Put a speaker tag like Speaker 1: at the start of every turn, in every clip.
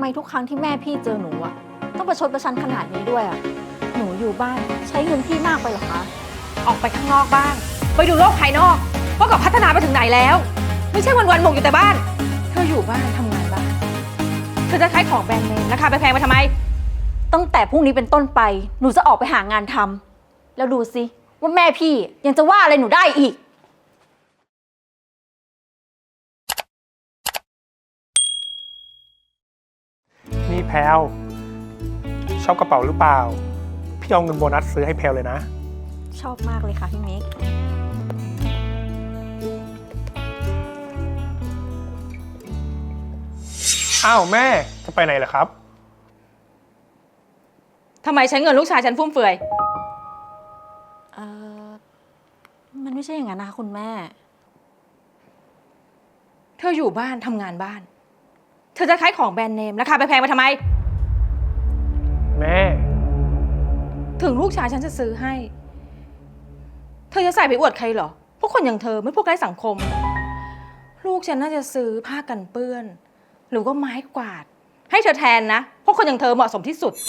Speaker 1: ไมทุกครั้งที่แม่พี่เจอหนูอะต้องประชดประชันขนาดนี้ด้วยอะหนูอยู่บ้านใช้เงินพี่มากไปเหรอคะ
Speaker 2: ออกไปข้างนอกบ้างไปดูโลกภายนอกว่ากับพัฒนาไปถึงไหนแล้วไม่ใช่วันๆหมกอยู่แต่บ้านเธออยู่บ้านทำงานบ้านเธอจะขายของแบรนด์เนมราคาแพงๆไปทำไม
Speaker 1: ตั้งแต่พรุ่งนี้เป็นต้นไปหนูจะออกไปหางานทำแล้วดูสิว่าแม่พี่ยังจะว่าอะไรหนูได้อีก
Speaker 3: นี่แพลวชอบกระเป๋าหรือเปล่าพี่เอาเงินโบนัสซื้อให้แพลวเลยนะ
Speaker 1: ชอบมากเลยค่ะพี่มิก
Speaker 3: อ้าวแม่จะไปไหนเหรอครับ
Speaker 2: ทำไมใช้เงินลูกชายฉันฟุ่มเฟือย
Speaker 1: เออมันไม่ใช่อย่างนั้นนะคะคุณแม่
Speaker 2: เธออยู่บ้านทำงานบ้านเธอจะขายของแบรนด์เนมราคาแพงๆไปทำไม
Speaker 3: แม่
Speaker 2: ถึงลูกชายฉันจะซื้อให้เธอจะใส่ไปอวดใครเหรอพวกคนอย่างเธอไม่พวกไร้สังคมลูกฉันน่าจะซื้อผ้ากันเปื้อนหรือว่าไม้กวาดให้เธอแทนนะพวกคนอย่างเธอเหมาะสมที่สุด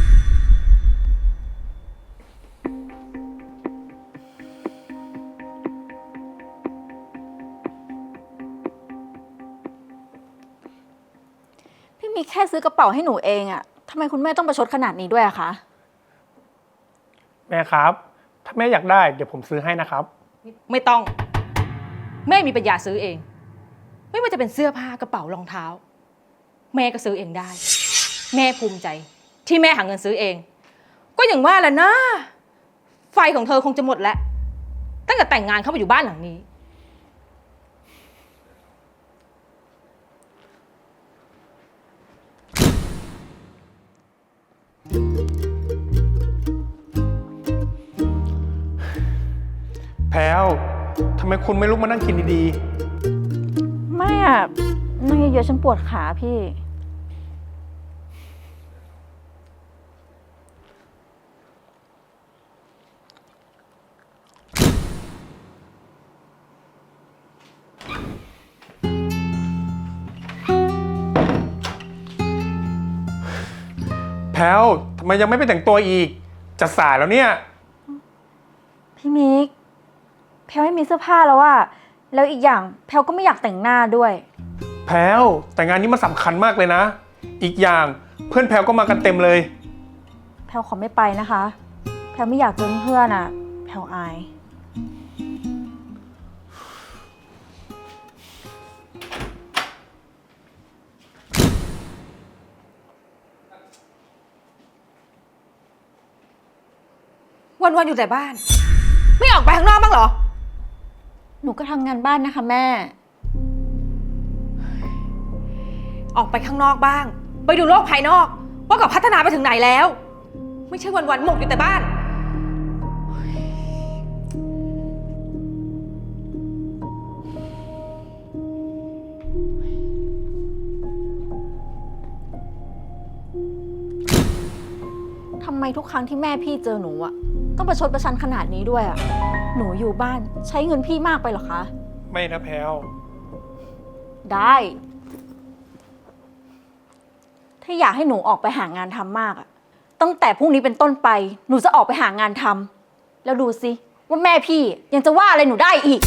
Speaker 1: พี่มิกแค่ซื้อกระเป๋าให้หนูเองอะทำไมคุณแม่ต้องประชดขนาดนี้ด้วยอะคะ
Speaker 3: แม่ครับถ้าแม่อยากได้เดี๋ยวผมซื้อให้นะครับ
Speaker 2: ไม่ต้องแม่มีปัญญาซื้อเองไม่ว่าจะเป็นเสื้อผ้ากระเป๋ารองเท้าแม่ก็ซื้อเองได้แม่ภูมิใจที่แม่หาเงินซื้อเองก็อย่างว่าแหละนะไฟของเธอคงจะหมดแล้วตั้งแต่แต่งงานเข้ามาอยู่บ้านหลังนี้
Speaker 3: แพลวทำไมคุณไม่ลุกมานั่งกินดี
Speaker 1: ไม่อะนั่งเยอะๆฉันปวดขาพี่
Speaker 3: ๆแพลวทำไมยังไม่ไปแต่งตัวอีกจะสายแล้วเนี่ย
Speaker 1: พี่มิกแพลวไม่มีเสื้อผ้าแล้วอะแล้วอีกอย่างแพลวก็ไม่อยากแต่งหน้าด้วย
Speaker 3: แพลวแต่งานนี้มันสำคัญมากเลยนะอีกอย่างเพื่อนแพลวก็มากันเต็มเลย
Speaker 1: แพลวขอไม่ไปนะคะแพลวไม่อยากเจอเพื่อนอะแพลวอาย
Speaker 2: วันๆอยู่แต่บ้านไม่ออกไปข้างนอกบ้างเหรอ
Speaker 1: หนูก็ทำงานบ้านนะคะแม่
Speaker 2: ออกไปข้างนอกบ้างไปดูโลกภายนอกว่ากับพัฒนาไปถึงไหนแล้วไม่ใช่วันๆหมกอยู่แต่บ้าน
Speaker 1: ทำไมทุกครั้งที่แม่พี่เจอหนูอะต้องประชดประชันขนาดนี้ด้วยอะหนูอยู่บ้านใช้เงินพี่มากไปเหรอคะ
Speaker 3: ไม่นะแพลว
Speaker 1: ได้ถ้าอยากให้หนูออกไปหางานทำมากอะตั้งแต่พรุ่งนี้เป็นต้นไปหนูจะออกไปหางานทำแล้วดูสิว่าแม่พี่ยังจะว่าอะไรหนูได้อีก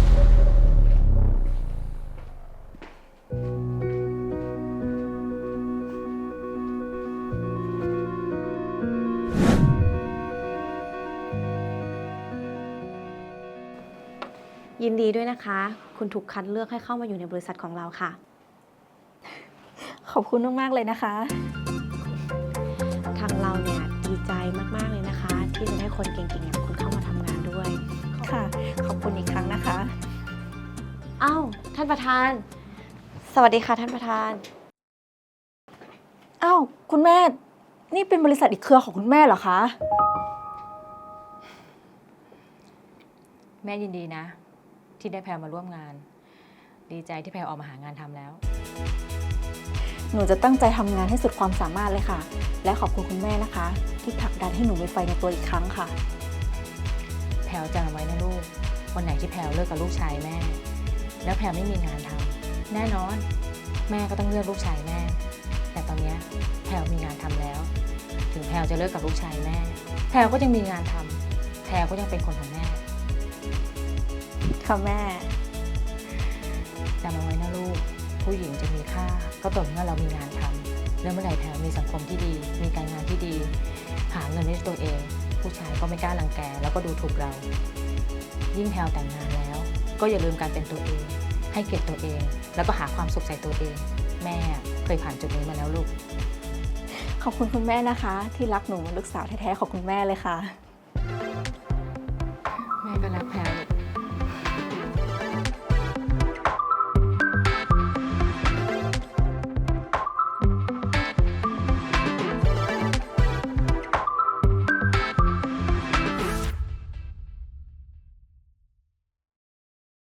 Speaker 4: ยินดีด้วยนะคะ คุณถูกคัดเลือกให้เข้ามาอยู่ในบริษัทของเราค่ะ
Speaker 1: ขอบคุณมากๆเลยนะคะ
Speaker 4: ทางเราเนี่ยดีใจมากๆเลยนะคะ ที่จะได้คนเก่งๆอย่างคุณเข้ามาทำงานด้วย
Speaker 1: ค่ะขอบคุณอีกครั้งนะคะ
Speaker 4: อ้าวท่านประธาน สวัสดีค่ะท่านประธาน
Speaker 1: อ้าวคุณแม่นี่เป็นบริษัทอีกเครือของคุณแม่เหรอคะ
Speaker 2: แม่ยินดีนะที่ได้แพรมาร่วมงานดีใจที่แพรออกมาหางานทำแล้ว
Speaker 1: หนูจะตั้งใจทำงานให้สุดความสามารถเลยค่ะและขอบคุณคุณแม่นะคะที่ผลักดันให้หนูมีไฟในตัวอีกครั้งค่ะ
Speaker 2: แพรจำไว้นะลูกวันไหนที่แพรเลิกกับลูกชายแม่แล้วแพรไม่มีงานทำแน่นอนแม่ก็ต้องเลือกลูกชายแม่แต่ตอนวจะเลิกกับลูกชายแม่ แพลวก็ยังมีงานทำแพลวก็ยังเป็นคนของแม่
Speaker 1: ค่ะแม่
Speaker 2: จำเอาไว้นะลูก ผู้หญิงจะมีค่าก็ต่อเมื่อเรามีงานทำแล้วเมื่อไหร่แพลวมีสังคมที่ดี มีการงานที่ดี หาเงินด้วยตัวเอง ผู้ชายก็ไม่กล้ารังแกแล้วก็ดูถูกเรา ยิ่งแพลวแต่งงานแล้ว ก็อย่าลืมการเป็นตัวเอง ให้เกียรติตัวเอง แล้วก็หาความสุขใส่ตัวเอง แม่เคยผ่านจุดนี้มาแล้วลูก
Speaker 1: ขอบคุณคุณแม่นะคะ ที่รักหนูเหมือนลูกสาวแท้ๆของคุณแม่เลยค่ะ